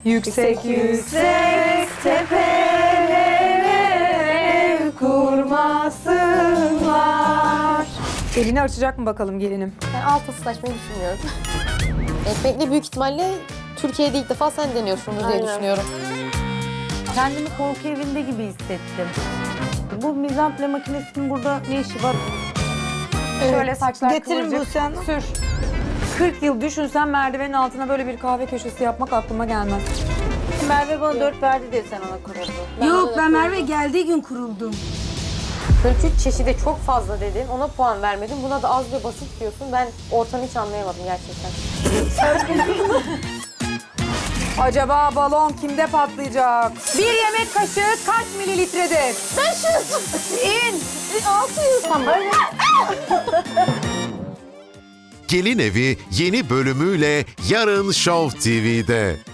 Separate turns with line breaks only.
Yüksek yüksek tepelere ev kurmasınlar. Elini açacak mı bakalım gelinim?
Ben alta sıçmayı düşünmüyorum. Ekmekle büyük ihtimalle Türkiye'de ilk defa sen deniyorsundur diye düşünüyorum.
Kendimi korku evinde gibi hissettim. Bu mizample makinesinin burada ne işi var?
Şöyle saçlar
Getirin
kıvırcık.
bu sen.
Sür. 40 yıl düşünsen merdivenin altına böyle bir kahve köşesi yapmak aklıma gelmez.
Merve bana 4 verdi diye sen ona kuruldu.
Yok ben Merve geldiği gün kuruldum.
43 çeşide çok fazla dedin, ona puan vermedin. Buna da az ve basit diyorsun. Ben ortamı hiç anlayamadım gerçekten.
Acaba balon kimde patlayacak? Bir yemek kaşığı kaç mililitredir?
500!
İn!
600! Tamam.
Gelin Evi yeni bölümüyle yarın Show TV'de.